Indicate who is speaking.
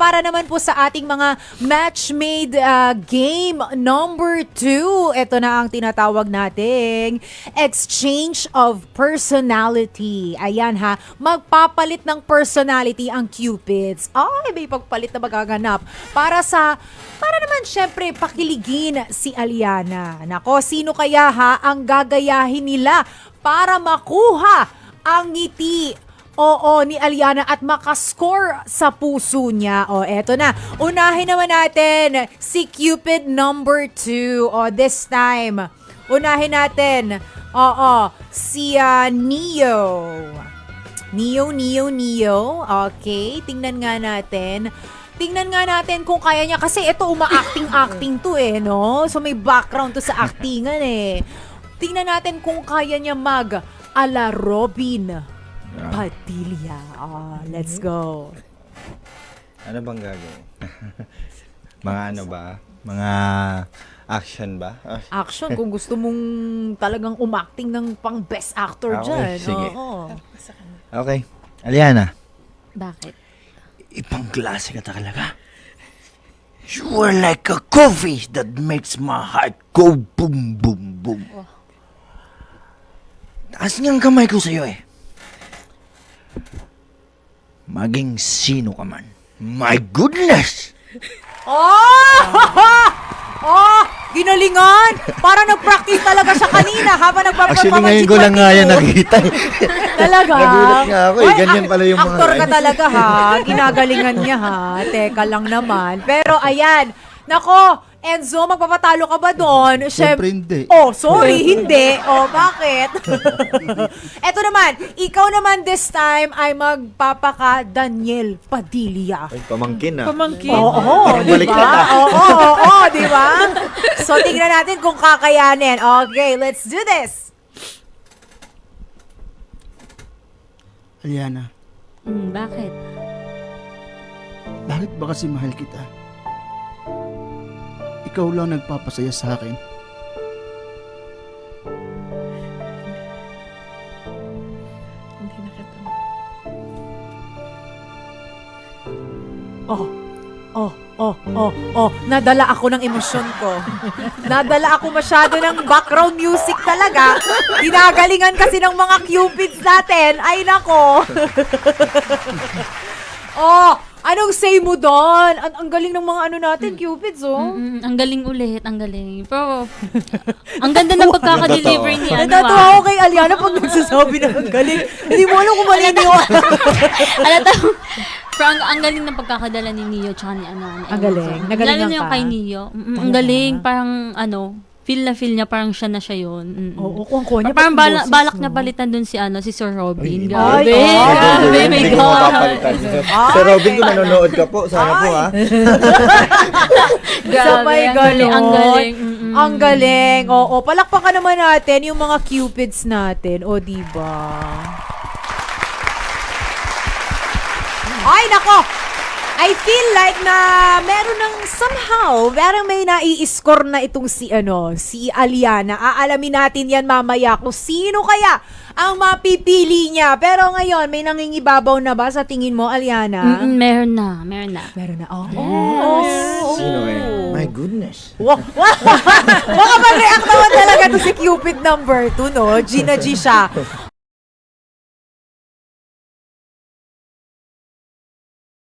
Speaker 1: para naman po sa ating mga match-made game number 2. Ito na ang tinatawag nating exchange of personality. Ayan ha, magpapalit ng personality ang Cupids. Ay, may pagpalit na magaganap para naman syempre pakiligin si Aliana. Nako, sino kaya ha ang gagayahin nila para makuha ang ngiti ni Aliana at makascore sa puso niya. Eto na. Unahin naman natin si Cupid number 2. This time, unahin natin, si Neo. Neo. Okay, tingnan nga natin. Tingnan nga natin kung kaya niya. Kasi ito, uma-acting to no? So may background to sa actingan Tingnan natin kung kaya niya mag-ala Robin Padilla. Let's go.
Speaker 2: Ano bang gagawin? Mga ano ba? Mga action ba?
Speaker 1: Action, kung gusto mong talagang umacting ng pang best actor dyan.
Speaker 2: Sige.
Speaker 1: Oo.
Speaker 2: Okay. Aliana.
Speaker 3: Bakit?
Speaker 2: Ibang klase ka talaga. You are like a coffee that makes my heart go boom, boom, boom. Taas niyang kamay ko sa'yo Maging sino ka man. My goodness!
Speaker 1: Ginalingan! Parang nag-practice talaga siya kanina habang nagpa-perform.
Speaker 2: Actually, ngayon ko lang nga yan nakita.
Speaker 1: Talaga?
Speaker 2: Nagulat nga ako Ganyan pala yung mga...
Speaker 1: Aktor ka talaga ha. Ginagalingan niya ha. Teka lang naman. Pero ayan. Nako, Enzo, magpapatalo ka ba doon?
Speaker 4: Siyempre hindi.
Speaker 1: Sorry, hindi. Bakit? Eto naman, ikaw naman this time ay magpapaka Daniel Padilla.
Speaker 2: Ay, pamangkin
Speaker 3: Pamangkin.
Speaker 1: Oo,
Speaker 2: baliktad
Speaker 1: Oo, di ba? So, tingnan natin kung kakayanin. Okay, let's do this.
Speaker 4: Aliana,
Speaker 3: Bakit?
Speaker 4: bakit ba kasi mahal kita? Ikaw lang nagpapasaya sa akin.
Speaker 3: Hindi na kita.
Speaker 1: Nadala ako ng emosyon ko. Nadala ako masyado ng background music talaga. Ginagalingan kasi ng mga cupids natin. Ay, nako. Anong say mo doon? Ang galing ng mga ano natin, cupids,
Speaker 3: Ang galing ulit, ang galing. Pero, ang ganda ng pagkaka-deliver ni
Speaker 1: Natatawa ako kay Aliana pag nagsasabi na ang galing. Hindi mo alam kung mali niyo.
Speaker 3: Pero ang galing ng pagkakadala ni Neo tsaka ni Ang
Speaker 1: galing. Nagalingan
Speaker 3: lalo na yung
Speaker 1: ka.
Speaker 3: kay Neo. Ang galing. Parang feel na niya, parang siya na siya yun.
Speaker 1: Oo, kung niya.
Speaker 3: Parang balak na palitan dun si si Robin.
Speaker 1: Ay,
Speaker 3: Grabe, my God.
Speaker 2: Sir Robin, kung nanonood ka po, sana po
Speaker 1: Sabay galing.
Speaker 3: Ang galing.
Speaker 1: Ang galing. Oo, palakpakan naman natin yung mga cupids natin. Diba? Ay, nako! I feel like na meron ng somehow, parang may nai-score na itong si Aliana. Aalamin natin yan mamaya kung sino kaya ang mapipili niya. Pero ngayon, may nangingibabaw na ba sa tingin mo, Aliana?
Speaker 3: Meron na.
Speaker 1: Meron na.
Speaker 2: Sino My goodness.
Speaker 1: Baka mag-react naman talaga to si Cupid number 2, no? Gina G siya.